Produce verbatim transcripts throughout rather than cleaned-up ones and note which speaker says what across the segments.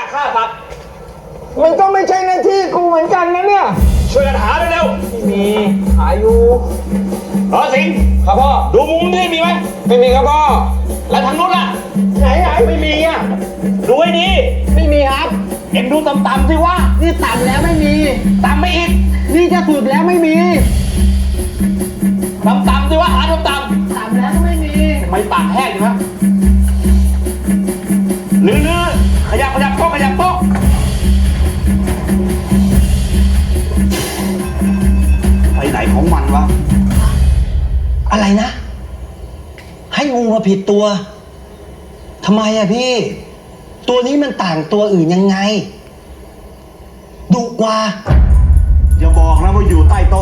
Speaker 1: ฆ่าสัตว์
Speaker 2: มันก็ไม่ใช่หน้าที่กูเหมือนกันนะเนี่ย
Speaker 1: ช่วยกันหาเร็ว
Speaker 2: ๆมีหาอยู่
Speaker 1: รอสิงครับพ่อดูมุมนี่มีไหม
Speaker 2: ไม่มีครับพ่อ
Speaker 1: แล้วทางนู้นล่ะ
Speaker 2: ไหนไหนไม่มีอ่ะ
Speaker 1: ดูให้ดี
Speaker 2: ไม่มีครับ
Speaker 1: เอ็งดูต่ำๆสิว่า
Speaker 2: นี่ต่ำแล้วไม่มี
Speaker 1: ต่ำไม่อีก
Speaker 2: นี่จะสุดแล้วไม่มี
Speaker 1: ต่ำๆสิว่าหาต่ำๆ
Speaker 2: ต่ำแล้วก็ไม่มี
Speaker 1: ไม่ปากแห้งอยู่นะเนื้อๆขยับขยับโต๊ะขยับโต๊ะไปไหนของมันวะ
Speaker 3: อะไรนะให้งูมาผิดตัวทำไมอะพี่ตัวนี้มันต่างตัวอื่นยังไงดุกว่า
Speaker 1: อย่าบอกนะว่าอยู่ใต้โต๊ะ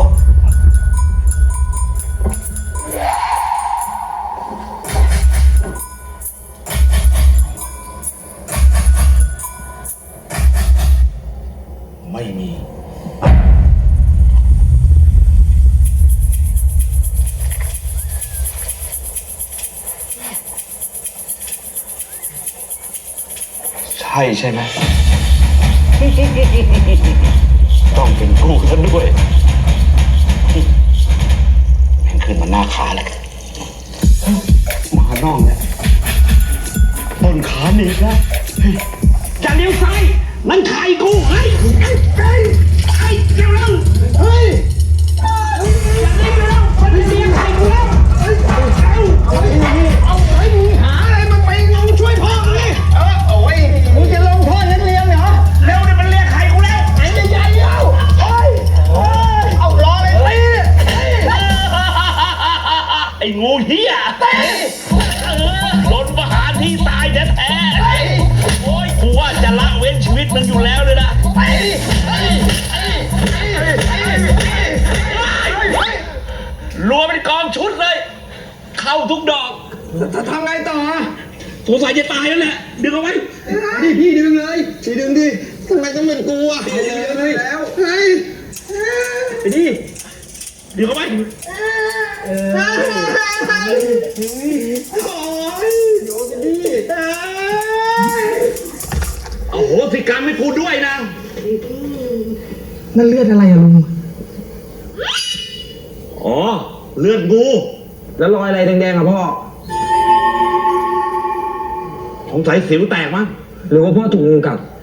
Speaker 1: ไม่มีใช่ใช่ไหม ต้องเป็นกูซะด้วยแม่งขึ้นมาหน้าขาแล้วมาน่องเนี่ยต้นขาหนีบแล้วอย่าเลี้ยวซ้ายนั่นไข่กูเฮ้ยไอ้ไอ้ไอ้เร็วเร็วเฮ้ยอย่าเลี้ยวเร็วมันเลี้ยงไข่กูแล้วเฮ้ยเอาเอาเอาไอ้มึงหาอะไรมาไปงงช่วยพ่อเลยเออโอ้ยมึงจะลงโทษนักเรียนเหรอเร็วเนี่ยมันเลี้ยงไข่กูแล้วไอ้ใหญ่ๆเอาเฮ้ยเอารอเลยตีไอ้งูเหี้ยล้นประหารที่ตายแท้ๆโอ้ยกูว่าจะละเว้นชีวิตมันอยู่แล้วเลยนะรัวเป็นกองชุดเลยเข้าทุกดอก
Speaker 2: จะทำไงต่อ
Speaker 1: สงสัยจะตายแล้วแหละดึงเอาไว้
Speaker 2: ดิพี่ดึงเลยพี่ดึงดิทำไมต้องเป็นกูอ่ะดึงเลยแล้วเฮ้ย
Speaker 1: ไปดิดึงเอาไว้
Speaker 2: โอ้ยโยนดิ
Speaker 1: โอ้โหสิกรรมให้กูด้วยนะ
Speaker 2: นั่นเลือดอะไรอะลุง
Speaker 1: อ๋อเลือดงู
Speaker 2: แล้วรอยอะไรแดงๆอะพ่อ
Speaker 1: สงสัยสิวแตกมั้ง
Speaker 2: หรือว่าพ่อถูกงูกัด